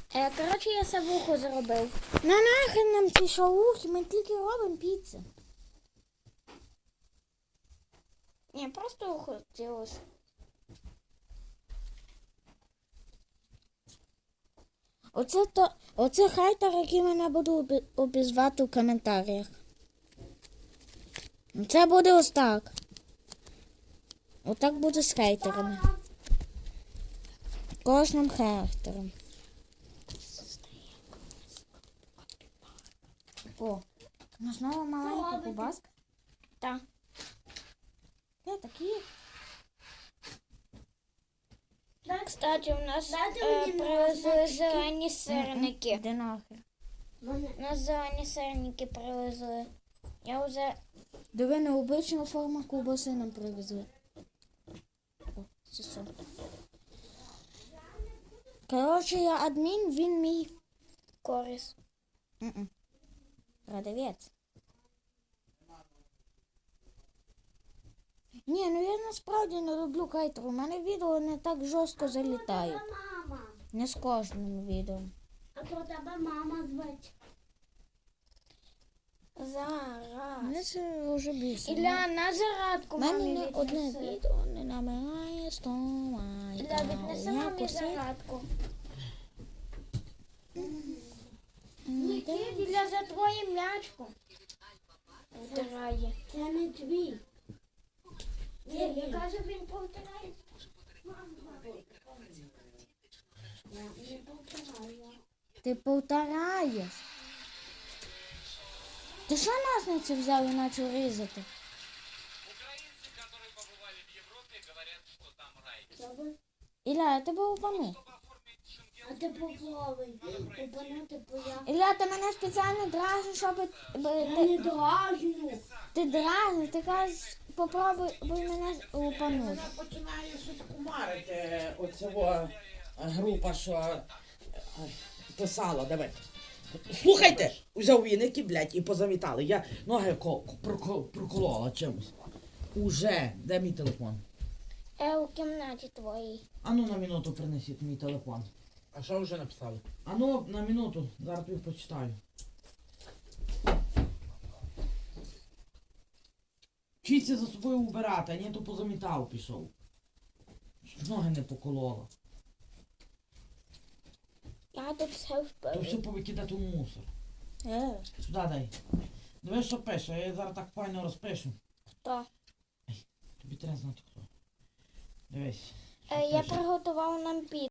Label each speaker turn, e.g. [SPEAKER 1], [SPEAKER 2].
[SPEAKER 1] Коротше, я савуху зробив. Нахрен нам ці шаухи, ми тільки робимо піцу. Ні, просто хотілося. Оце хейтер, який мене буду обізвати в коментарях. Це буде ось так. Отак буде з хейтерами. Кожним хейтером. О, ну знову маленька кубаска. Так. Де такі? Кстати, у нас привезли зелені сирники. Де нахер? У нас зелені сирники привезли. Я вже... Диви, необичну форму ковбаси нам привезли. О, це що? Коротше, я адмін, він мій корис. Продавець. Ні, ну я насправді не люблю хейтер. У мене відео не так жорстко залітають. Не з кожним відео.
[SPEAKER 2] А то тебе мама звуть.
[SPEAKER 1] Зараз. Мене це вже більше.
[SPEAKER 2] Ілля, на зарядку мамі
[SPEAKER 1] мене
[SPEAKER 2] віднеси.
[SPEAKER 1] одне відео не набирає 100 лайків.
[SPEAKER 2] Ілля, віднеси мамі зарядку. Ілля, за твоє м'ячку. Втирає. Це не твій. Ні, я кажу, він повтирає. Не повтирає.
[SPEAKER 1] Ти повтораєш. Ти що нас на це взяв і почав різати?
[SPEAKER 3] Украинцы, которые побывали в Европе, говорят, что там рай.
[SPEAKER 1] Ілля, я тебе упану.
[SPEAKER 2] А ти поплавай. Опинити появ.
[SPEAKER 1] Ілля, ти мене спеціально дражиш, щоб...
[SPEAKER 2] Я не дражню.
[SPEAKER 1] Ти дражниш, ти кажеш, попробуй мене упанути.
[SPEAKER 4] Починає щось кумарити оцього група, що писала, давай. Слухайте, взяв віники, блядь, і позамітали. Я ноги проколола чимось. Уже, де мій телефон?
[SPEAKER 1] У кімнаті твоїй.
[SPEAKER 4] Ану на минуту принесіть мій телефон.
[SPEAKER 3] А что уже написали?
[SPEAKER 4] Ану на минуту, зараз тобі почитаю. Вчіться за собою убирати, а ні, то позамітав пішов. Ноги не поколола.
[SPEAKER 1] Я тут все
[SPEAKER 4] То все
[SPEAKER 1] впив.
[SPEAKER 4] повикидати у мусор. Сюди дай. Дивись, що пише, я її зараз так файно розпишу.
[SPEAKER 1] Хто?
[SPEAKER 4] Тобі треба знати хто. Дивись. що
[SPEAKER 1] Я
[SPEAKER 4] пише.
[SPEAKER 1] приготував нам піцу.